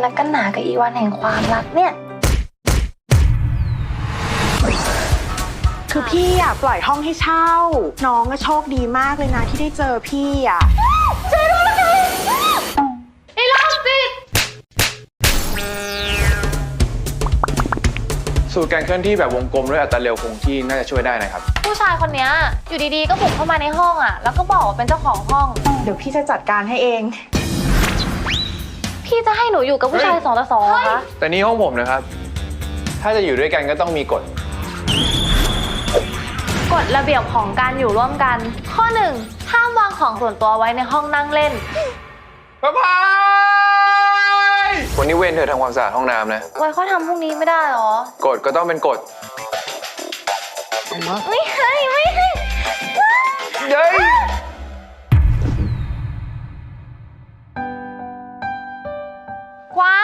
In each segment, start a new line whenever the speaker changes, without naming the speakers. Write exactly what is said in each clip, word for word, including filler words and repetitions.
และกันหนากับอีวันแห่งความรักเนี่ย
คือพี่อ่ะปล่อยห้องให้เช่าน้องก็โชคดีมากเลยนะที่ได้เจอพี่อ่ะ
เจอรู้แล้วไงไอ้โรคจิต
สูตรการเคลื่อนที่แบบวงกลมด้วยอัตราเร็วคงที่น่าจะช่วยได้นะครับ
ผู้ชายคนนี้อยู่ดีๆก็บุกเข้ามาในห้องอ่ะแล้วก็บอกว่าเป็นเจ้าของห้อง
เดี๋ยวพี่จะจัดการให้เอง
พี่จะให้หนูอยู่กับผู้ชายสองต่อสองเหรอคะ
แต่นี่ห้องผมนะครับถ้าจะอยู่ด้วยกันก็ต้องมีกฎ
กฎระเบียบของการอยู่ร่วมกันข้อหนึ่งห้ามวางของส่วนตัวไว้ในห้องนั่งเล่น
ป้าพายวันนี้เว้นเธอทำความสะอาดห้องน้ำนะ
ไว้เขาทำพรุ่งนี้ไม่ได้หรอก
ฎก็ต้องเป็นกฎ
ไม่ให้ไม่ให้
เย้ย
กวาง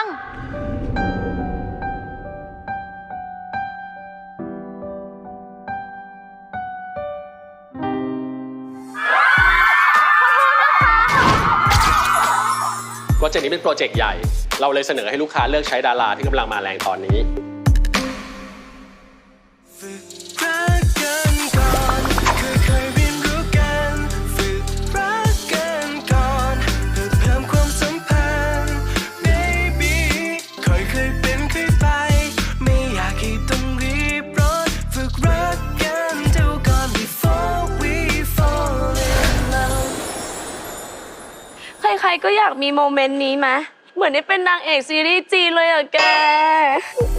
โปรเจกต์นี้เป็นโปรเจกต์ใหญ่เราเลยเสนอให้ลูกค้าเลือกใช้ดาราที่กำลังมาแรงตอนนี้
ใครๆก็อยากมีโมเมนต์นี้ไหมเหมือนได้เป็นนางเอกซีรีส์จีนเลยอะแก